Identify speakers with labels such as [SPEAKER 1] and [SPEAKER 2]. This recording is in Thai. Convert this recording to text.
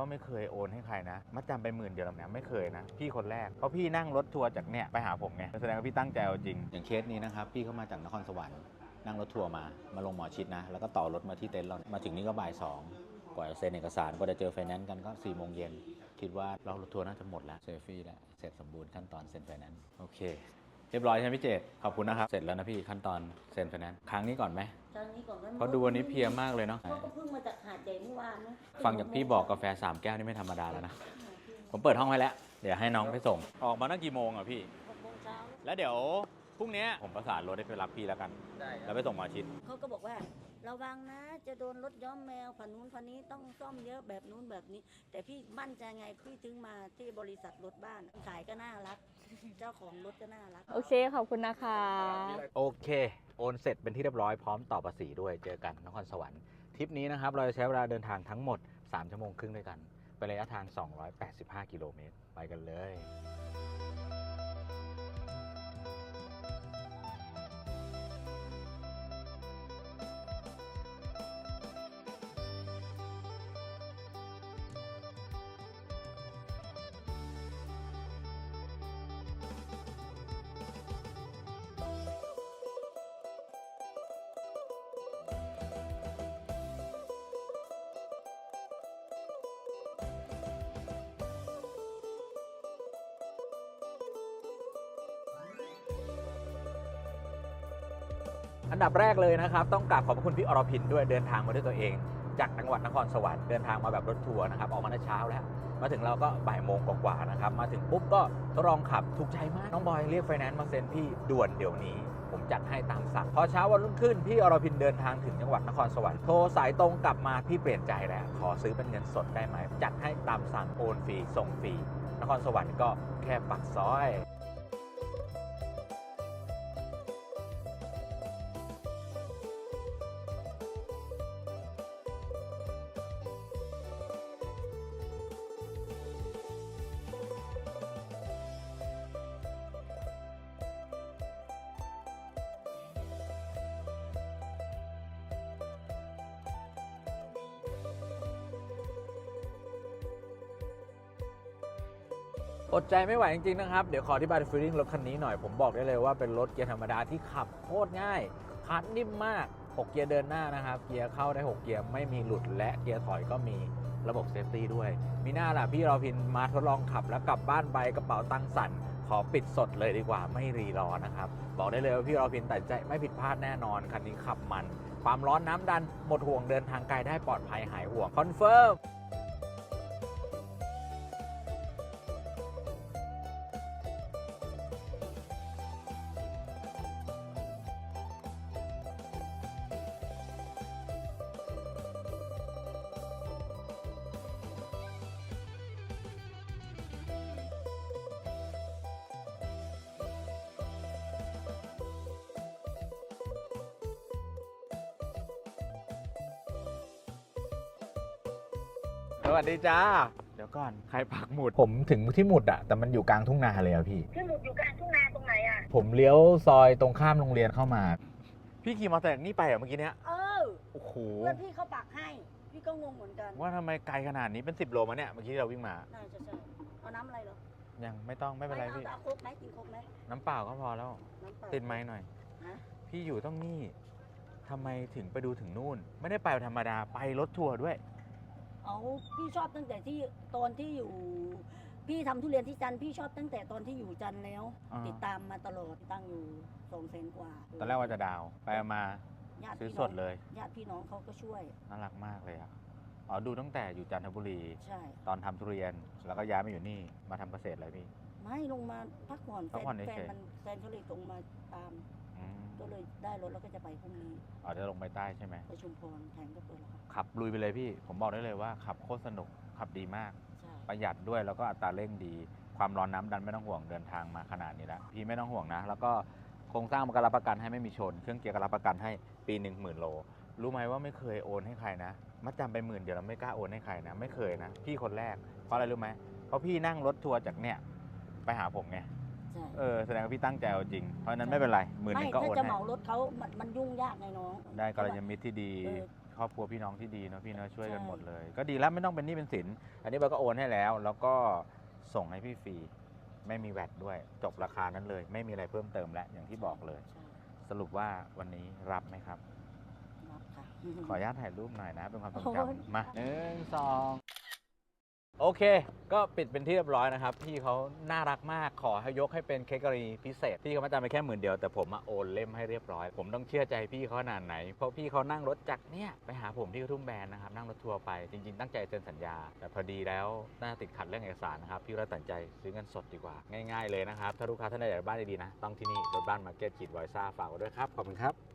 [SPEAKER 1] ว่าไม่เคยโอนให้ใครนะมัดจำไป10,000 เดียวนะไม่เคยนะพี่คนแรกเพราะพี่นั่งรถทัวร์จากเนี่ยไปหาผมไงแสดงว่าพี่ตั้งใจเอาจริงอย่างเคสนี้นะครับพี่เข้ามาจากนครสวรรค์นั่งรถทัวร์มาลงหมอชิดนะแล้วก็ต่อรถมาที่เต็นท์เรามาถึงนี่ก็บ่าย 2กว่าจะเซ็นเอกสารกว่าจะเจอไฟแนนซ์กันก็4 โมงเย็นคิดว่าเรารถทัวร์น่าจะหมดแล้วเซฟฟี่แล้วเสร็จสมบูรณ์ขั้นตอนเซ็นไฟแนนซ์โอเคเรียบร้อยใช่ไหมพี่เจตขอบคุณนะครับเสร็จแล้วนะพี่ขั้นตอนเซ็นไฟแนนซ์ครั้งนี้ก่อนไหม
[SPEAKER 2] ครั้งนี้ก่อน
[SPEAKER 1] เพราะดูวันนี้เพลียมากเลยเนาะ
[SPEAKER 2] เขาก็เพิ่งมาจากหาดใหญ่เมื่อวานนะ
[SPEAKER 1] ฟังจากพี่บอกกาแฟ3 แก้วนี่ไม่ธรรมดาแล้วนะผมเปิดห้องไว้แล้วเดี๋ยวให้น้องไปส่งออกมาตั้งกี่โมงอ่ะพี่
[SPEAKER 2] 6 โมงเช้า
[SPEAKER 1] แล้วเดี๋ยวพรุ่งนี้ผมประสานรถให้ไปรับพี่แล้วกันแล้วไปส่งหมอชิด
[SPEAKER 2] เขาก็บอกว่าระวังนะจะโดนรถย้อมแมวผ่านนู้นผ่านนี้ต้องซ่อมเยอะแบบนู้นแบบนี้ แต่พี่มั่นใจไงพี่ถึงมาที่บริษัทรถบ้านขายก็น่ารัก เจ้าของรถก็น่ารัก
[SPEAKER 3] โอเคขอบคุณนะคะ
[SPEAKER 1] โอเคโอนเสร็จเป็นที่เรียบร้อยพร้อมต่อภาษีด้วยเจอกันนครสวรรค์ทริปนี้นะครับเราจะใช้เวลาเดินทางทั้งหมด3 ชั่วโมงครึ่งด้วยกันเป็นระยะทาง285 กิโลเมตรไปกันเลย อันดับแรกเลยนะครับต้องกราบขอบคุณพี่อรพินด้วยเดินทางมาด้วยตัวเอง จากจังหวัดนครสวรรค์เดินทางมาแบบรถทัวร์นะครับออกมาตั้งเช้าแล้วมาถึงเราก็บ่ายโมงกว่าๆนะครับมาถึงปุ๊บก็ลองขับถูกใจมากน้องบอยเรียกไฟแนนซ์มาเซ็นพี่ด่วนเดี๋ยวนี้ผมจัดให้ตามสั่งพอเช้าวันรุ่งขึ้นพี่อรพินเดินทางถึงจังหวัดนครสวรรค์โทรสายตรงกลับมาพี่เปลี่ยนใจแล้วขอซื้อเป็นเงินสดได้ไหมจัดให้ตามสั่งโอนฟรีส่งฟรีนครสวรรค์ก็แค่ปักซอยอดใจไม่ไหวจริงๆนะครับเดี๋ยวขออธิบายฟีลลิ่งรถคันนี้หน่อยผมบอกได้เลยว่าเป็นรถเกียร์ธรรมดาที่ขับโคตรง่ายคันนิ่มมาก6 เกียร์เดินหน้านะครับเกียร์เข้าได้6 เกียร์ไม่มีหลุดและเกียร์ถอยก็มีระบบเซฟตี้ด้วยมีหน้าล่ะพี่เราพินมาทดลองขับแล้วกลับบ้านไปกระเป๋าตังค์สั่นขอปิดสดเลยดีกว่าไม่รีรอนะครับบอกได้เลยว่าพี่เราพินตัดใจไม่ผิดพลาดแน่นอนคันนี้ขับมันความร้อนน้ำดันหมดห่วงเดินทางไกลได้ปลอดภัยหายห่วงคอนเฟิร์มสวัสดีจ้าเดี๋ยวก่อนใครปักหมุดผมถึงที่หมุดอะแต่มันอยู่กลางทุ่งนาเลยอะพี่
[SPEAKER 2] ที่หมุดอยู่กลางทุ่งนาตรงไหนอ่ะ
[SPEAKER 1] ผมเลี้ยวซอยตรงข้ามโรงเรียนเข้ามา พี่ขี่มอเตอร์ไซค์นี่ไปเหรอเมื่อกี้เนี้ย โอ้โห
[SPEAKER 2] เพื่อนพี่เขาปักให้พี่ก็งงเหมือนกัน
[SPEAKER 1] ว่าทำไมไกลขนาดนี้เป็น10 โลมาเนี่ยเมื่อกี้เราวิ่งมา
[SPEAKER 2] น่าจะใช่เอาน้ำอะไรเหรอ
[SPEAKER 1] ยังไม่ต้องไม่เป็นไรพี่
[SPEAKER 2] เอาโคกไหมกินโคกไหม
[SPEAKER 1] น้ำเปล่าก็พอแล้ว
[SPEAKER 2] น้ำเปล่า
[SPEAKER 1] ติดไม้หน่อย
[SPEAKER 2] ฮะ
[SPEAKER 1] พี่อยู่ต้องนี่ทำไมถึงไปดูถึงนู่น ไม่ได้ไปธรรมดาไปรถทัวร์ด้วย
[SPEAKER 2] เอาพี่ชอบตั้งแต่ที่ตอนที่อยู่ พี่ทำทุเรียนที่จันทร์พี่ชอบตั้งแต่ตอนที่อยู่จันทร์แล้ว
[SPEAKER 1] อ่า
[SPEAKER 2] ติดตามมาตลอดตั้งอยู่200,000 กว่า
[SPEAKER 1] ตอนแรกว่าจะดาวไปมา
[SPEAKER 2] ญาติ
[SPEAKER 1] ซื้อ
[SPEAKER 2] พี่
[SPEAKER 1] ส
[SPEAKER 2] น้อ
[SPEAKER 1] ด
[SPEAKER 2] ง
[SPEAKER 1] เลย
[SPEAKER 2] ญาติพี่น้องเขาก็ช่วย
[SPEAKER 1] น่ารักมากเลยอ่ะอ๋อดูตั้งแต่อยู่จันทบุรี
[SPEAKER 2] ใช่
[SPEAKER 1] ตอนทำทุเรียนแล้วก็ย้ายมาอยู่นี่มาทำเกษตรเลยพี่
[SPEAKER 2] ไม่ลงมาพักผ่อน
[SPEAKER 1] พักผ่อน
[SPEAKER 2] แฟ
[SPEAKER 1] เฉยๆ
[SPEAKER 2] นแฟนเขาเลยส่งมาตาม
[SPEAKER 1] อืม
[SPEAKER 2] ก็เลยได้รถแล้วก็จะไปพรุ่งนี้
[SPEAKER 1] อ๋อจะลงไปใต้ใช่ไหม
[SPEAKER 2] ไปชุมพรแทนก็เปิดแล้วครับ
[SPEAKER 1] ขับลุยไปเลยพี่ ผมบอกได้เลยว่าขับโคตรสนุก ขับดีมาก
[SPEAKER 2] ใช่
[SPEAKER 1] ประหยัดด้วยแล้วก็อัตราเร่งดี ความร้อนน้ำดันไม่ต้องห่วงเดินทางมาขนาดนี้แล้ว พี่ไม่ต้องห่วงนะ แล้วก็โครงสร้างมันก็รับประกันให้ไม่มีชน เครื่องเกียร์ก็รับประกันให้ปีหนึ่ง10,000 โล รู้ไหมว่าไม่เคยโอนให้ใครนะ มัดจำไป10,000 เดียวเราไม่กล้าโอนให้ใครนะ ไม่เคยนะ พี่คนแรก เพราะอะไรรู้ไหม เพราะพี่นั่งรถทัวร์จากเนี่ยไปหาผมไง
[SPEAKER 2] ใช่
[SPEAKER 1] แสดงว่าพี่ตั้งใจเอาจริง เพราะฉะนั้นไม่เป็นไร10,000
[SPEAKER 2] ไม่
[SPEAKER 1] ก็
[SPEAKER 2] ถ้า
[SPEAKER 1] โอน
[SPEAKER 2] จะ
[SPEAKER 1] ให้
[SPEAKER 2] เหมารถเขามันยุ่งยากไงน้อง
[SPEAKER 1] ได้กัลยาณมิตรที่ดี
[SPEAKER 2] เออ
[SPEAKER 1] ครอบครัวพี่น้องที่ดีเนาะพี่เนาะช่วยกัน
[SPEAKER 2] ใช่
[SPEAKER 1] หมดเลย ก็ดีแล้วไม่ต้องเป็นหนี้เป็นสินอันนี้เราก็โอนให้แล้ว แล้วก็ส่งให้พี่ฟรีไม่มีแวดด้วยจบราคานั้นเลย ไม่มีอะไรเพิ่มเติมแล้วอย่างที่บอกเลย
[SPEAKER 2] ใช่
[SPEAKER 1] สรุปว่าวันนี้รับไหมครับ
[SPEAKER 2] รับค่ะ
[SPEAKER 1] ขออนุญาตถ่ายรูปหน่อยนะ เป็นความทรง
[SPEAKER 2] โอ้ย
[SPEAKER 1] จำมา1 2โอเค ก็ปิดเป็นที่เรียบร้อยนะครับ พี่เขาน่ารักมากขอให้ยกให้เป็นเค้กกรณีพิเศษ พี่เขามาจ่ายไปแค่10,000เดียว แต่ผมโอนเล่มให้เรียบร้อย ผมต้องเชื่อใจพี่เขาขนาดไหน เพราะพี่เขานั่งรถจากเนี่ยไปหาผมที่กระทุ่มแบนนะครับ นั่งรถทัวร์ไปจริงๆตั้งใจเซ็นสัญญา แต่พอดีแล้วน่าติดขัดเรื่องเอกสารนะครับพี่ก็เลยตัดสินใจซื้อเงินสดดีกว่าง่ายๆเลยนะครับถ้าลูกค้าท่านใดอยากได้บ้านดีๆนะต้องที่นี่รถบ้านมาร์เก็ตขีดไวซ่าฝากไว้ด้วยครับขอบคุณครับ